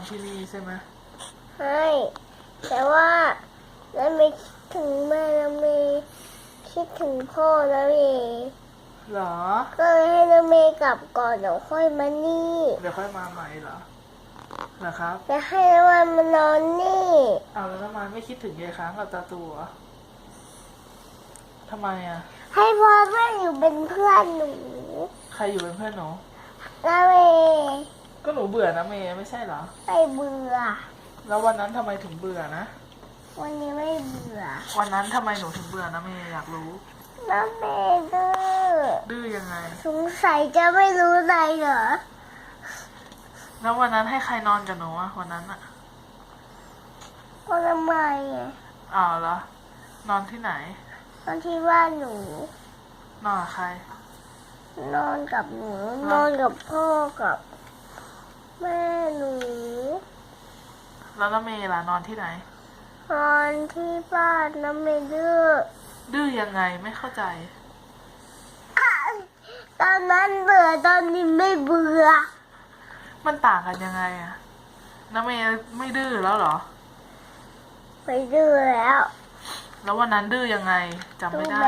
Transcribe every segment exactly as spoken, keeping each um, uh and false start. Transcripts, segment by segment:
ที่นี่ใช่ไหมใช่แต่ว่าแล้วไม่คิดถึงแม่แล้วไม่คิดถึงพ่อแล้วเองเหรอก็เลยให้น้องเมย์กลับก่อนเดี๋ยวค่อยมานี่เดี๋ยวค่อยมาใหม่เหรอนะครับจะให้น้องวันมานอนนี่เอาแล้วทำไมไม่คิดถึงยายค้างกับตาตัวทำไมอ่ะให้พ่อแม่อยู่เป็นเพื่อนหนูใครอยู่เป็นเพื่อนหนูน้องเมย์ก็หนูเบื่อนะเมย์ไม่ใช่เหรอไม่เบื่อแล้ววันนั้นทำไมถึงเบื่อนะวันนี้ไม่เบื่อวันนั้นทำไมหนูถึงเบื่อนะเมย์อยากรู้น้องเมย์ดื้อดื้อยังไงสงสัยจะไม่รู้อะไรเหรอแล้ววันนั้นให้ใครนอนกับหนูอะวันนั้นอะก็ทำไมอ่ะอ้าวเหรอ นอนที่ไหนนอนที่บ้านหนูนอนกับใครนอนกับหนูนอนกับพ่อกับแม่หนูแล้วน้าเมย์ล่ะนอนที่ไหนนอนที่บ้านน้ำเมย์ดื้อดื้อยังไงไม่เข้าใจตอนนั้นเบื่อตอนนี้ไม่เบื่อมันต่างกันยังไงอะน้าเมย์ไม่ดื้อแล้วเหรอไม่ดื้อแล้วแล้ววันนั้นดื้อยังไงจำไม่ได้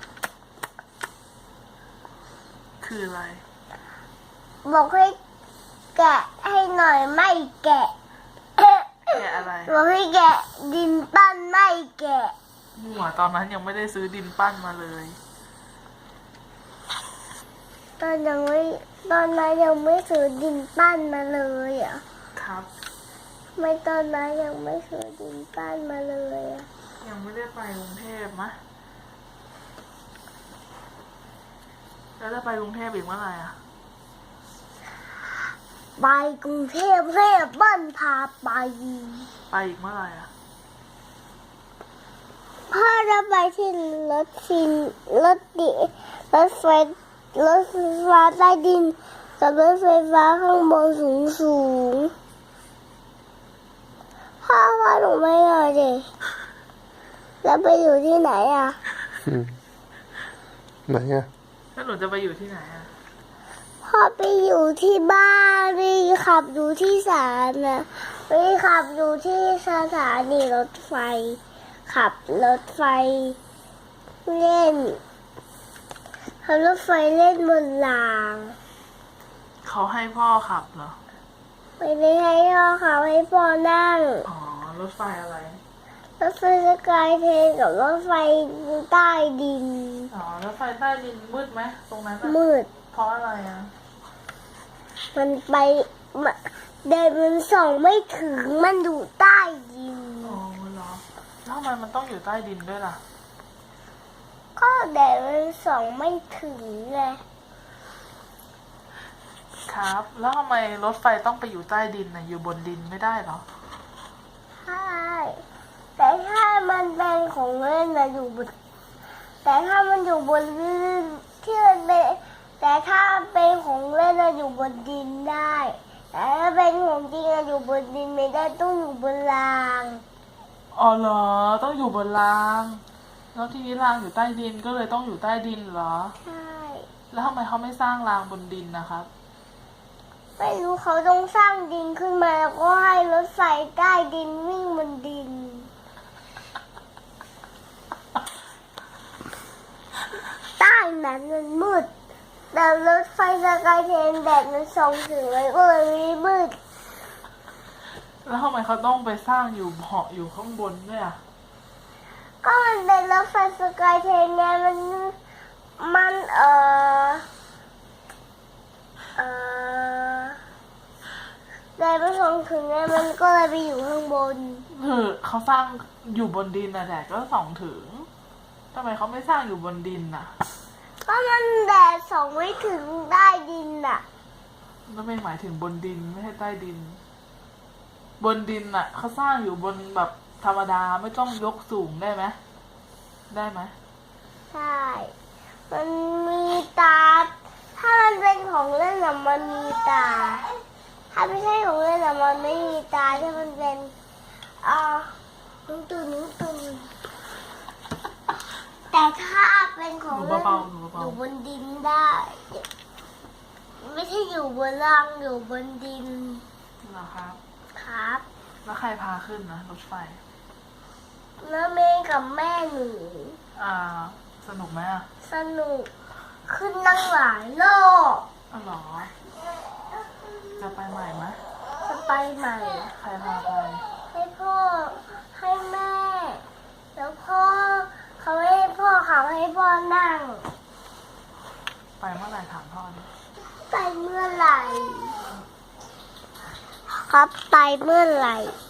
คืออะไรบอกให้แกะให้หน่อยไม่แกะแกะอะไรบอกให้แกะดินปั้นไม่แกะมั่วตอนนั้นยังไม่ได้ซื้อดินปั้นมาเลยตอนยังไม่ตอนนั้นยังไม่ซื้อดินปั้นมาเลยอ่ะครับไม่ตอนนั้นยังไม่ซื้อดินปั้นมาเลยอ่ะยังไม่ได้ไปกรุงเทพมะแล้วจะไปกรุงเทพอีกเมื่อไหร่อ่ะไปกรุงเทพให้บ้านพาไปไปอีกเมื่อไหร่อ่ะพ่อจะไปที่รถฟินรถดิรถไฟรถไฟฟ้าใต้ดินกับรถไฟฟ้าข้างบนสูงสูงพ่อพ่อหนูไม่เอาดิแล้วไปอยู่ที่ไหนอ่ะไหนอ่ะแล้วหนูจะไปอยู่ที่ไหนอ่ะพ่อไปอยู่ที่บ้านไปขับอยู่ที่ศาลนะไปขับอยู่ที่สถานีรถไฟขับรถไฟเล่นขับรถไฟเล่นบนรางเขาให้พ่อขับเหรอไม่ได้ให้พ่อขับให้พ่อนั่งอ๋อรถไฟอะไรรถไฟสกายเทรนกับรถไฟใต้ดินอ๋อรถไฟใต้ดินมืดไหมตรงนั้นมืดเพราะอะไรอ่ะมันไปเดินมันส่องไม่ถึงมันอยู่ใต้ดินอ๋อเหรอแล้วทำไมมันต้องอยู่ใต้ดินด้วยล่ะก็เดินมันส่องไม่ถึงไงครับแล้วทำไมรถไฟต้องไปอยู่ใต้ดินน่ะอยู่บนดินไม่ได้เหรอใช่แต่ถ้ามันเป็นของเล่นนะอยู่บนแต่ถ้ามันอยู่บนที่มันเป็นแต่ถ้าเป็นของเล่นนะอยู่บนดินได้แต่ถ้าเป็นของจริงนะอยู่บนดินไม่ได้ต้องอยู่บนรางอ๋อเหรอต้องอยู่บนรางแล้วทีนี้รางอยู่ใต้ดินก็เลยต้องอยู่ใต้ดินเหรอใช่แล้วทำไมเขาไม่สร้างรางบนดินนะครับไม่รู้เขาต้องสร้างดินขึ้นมาแล้วก็ให้รถไฟใต้ดินวิ่งบนดินใต้นั้นมันมืดแต่รถไฟสกายเทรนแดดมันส่องถึงเลยก็เลยไม่มืดแล้วทำไมเขาต้องไปสร้างอยู่เหาะอยู่ข้างบนด้วยอ่ะก็มันเป็นรถไฟสกายเทรนไงมันมันเออเออแดดมันส่องถึงไงมันก็เลยไปอยู่ข้างบนเออเขาสร้างอยู่บนดินนะแดดก็ส่องถึงทำไมเขาไม่สร้างอยู่บนดินน่ะก็มันแดดส่องไม่ถึงใต้ดินน่ะแล้วไม่หมายถึงบนดินไม่ใช่ใต้ดินบนดินน่ะเขาสร้างอยู่บนแบบธรรมดาไม่ต้องยกสูงได้ไหมได้ไหมใช่มันมีตาถ้ามันเป็นของเล่นน่ะมันมีตาถ้าไม่ใช่ของเล่นน่ะมันไม่มีตาถ้ามันเป็นอ่านุ่งตุนนุ่งตุนแต่ถ้าเป็นของเล่นอยู่บนดินได้ไม่ใช่อยู่บนล่างอยู่บนดินเหรอครับคครับแล้วใครพาขึ้นนะรถไฟแล้วเมย์กับแม่หนูอ่า สนุกไหมอ่ะสนุกขึ้นนั่งหลายรอบอ๋อเหรอ จะไปใหม่ไหมจะไปใหม่ใครพาไปให้พ่อให้แม่ แล้วพ่อเขาให้พ่อเขาให้พ่อนั่งไปเมื่อไหร่ถามพ่อดิไปเมื่อไหร่ ครับไปเมื่อไหร่